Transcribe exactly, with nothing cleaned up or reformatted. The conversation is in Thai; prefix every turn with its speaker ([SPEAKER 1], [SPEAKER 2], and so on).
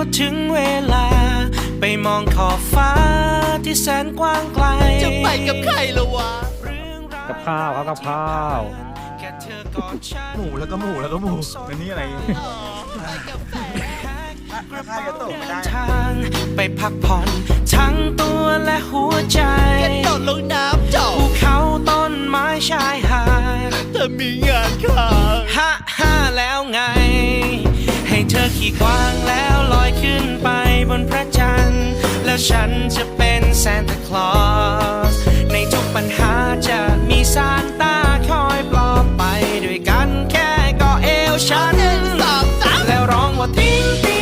[SPEAKER 1] ก็ถึงเวลาไปมองขอบฟ้าที่แสนกว้างไกล
[SPEAKER 2] จะไปกับใครละวะ
[SPEAKER 3] กับข้าวครับกับข้าว
[SPEAKER 4] หมูแล้วก็หมูแล้วก็หมูแล้วนี่อะไร
[SPEAKER 1] ข้าจะตกไม่ได้ทางไปพักผ่อนทั้งตัวและหัวใจ
[SPEAKER 2] กระโดดลงน้ำเจ้า
[SPEAKER 1] ภูเขาต้นไม้ชายหาด
[SPEAKER 2] แต่มีงานค้าง
[SPEAKER 1] ฮ่าฮ่าแล้วไงให้เธอขี่กวางแล้วลอยขึ้นไปบนพระจันทร์แล้วฉันจะเป็นซานตาคลอสในทุกปัญหาจะมีซานต้าคอยปลอบไปด้วยกันแค่เกาะเอวฉันแล้วร้องว่าติ้งติ้ง